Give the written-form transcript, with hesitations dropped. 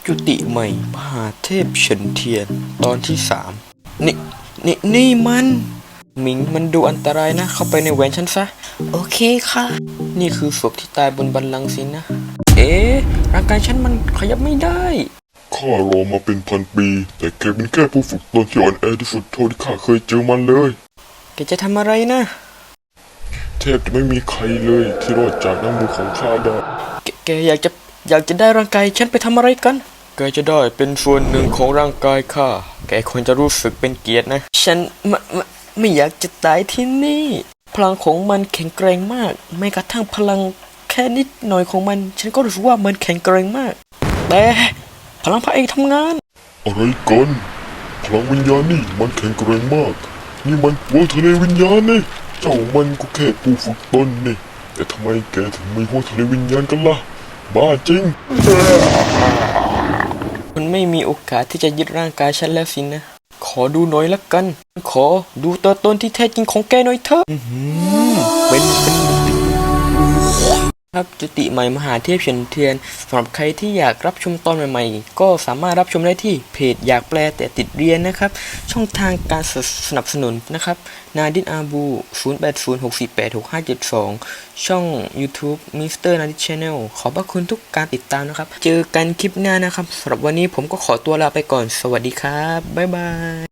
จุติใหม่มหาเทพเฉินเทียนตอนที่นี่มันหมิงมันดูอันตรายนะเข้าไปในแหวนฉันซะโอเคค่ะนี่คือศพที่ตายบนบัลลังก์สินะร่างกายฉันมันขยับไม่ได้ข้ารอมาเป็นพันปีแต่แกเป็นแค่ผู้ฝึกตนที่อ่อนแอที่สุดเท่าที่ข้าเคยเจอมันเลยแกจะทำอะไรนะแทบจะไม่มีใครเลยที่รอดจากน้ำมือของข้าได้แกอยากจะได้ร่างกายฉันไปทำอะไรกันแกจะได้เป็นส่วนหนึ่งของร่างกายข้าแกควรจะรู้สึกเป็นเกียรตินะฉันไม่อยากจะตายที่นี่พลังของมันแข็งแกร่งมากแม้กระทั่งพลังแค่นิดหน่อยของมันฉันก็รู้สึกว่ามันแข็งแกร่งมากแต่พลังพระเอกทำงานอะไรกันพลังวิญญาณนี่มันแข็งแกร่งมากนี่มันหัวทะเลวิญญาณนี่เจ้ามันก็แค่ผู้ฝึกตนนี่แต่ทำไมแกถึงมีหัวทะเลวิญญาณกันล่ะบ้าจริงคุณไม่มีโอกาสที่จะยึดร่างกายฉันแล้วสินะขอดูหน่อยละกันขอดูตัวตนที่แท้จริงของแกหน่อยเถอะเป็นครับจุติใหม่มหาเทพเฉินเทียนสำหรับใครที่อยากรับชมตอนใหม่ๆก็สามารถรับชมได้ที่เพจอยากแปลแต่ติดเรียนนะครับช่องทางการสนับสนุนนะครับนาดินอาบู0806486572ช่อง YouTube Mr. Nadit Channel ขอบพระคุณทุกการติดตามนะครับเจอกันคลิปหน้านะครับสำหรับวันนี้ผมก็ขอตัวลาไปก่อนสวัสดีครับบ๊ายบาย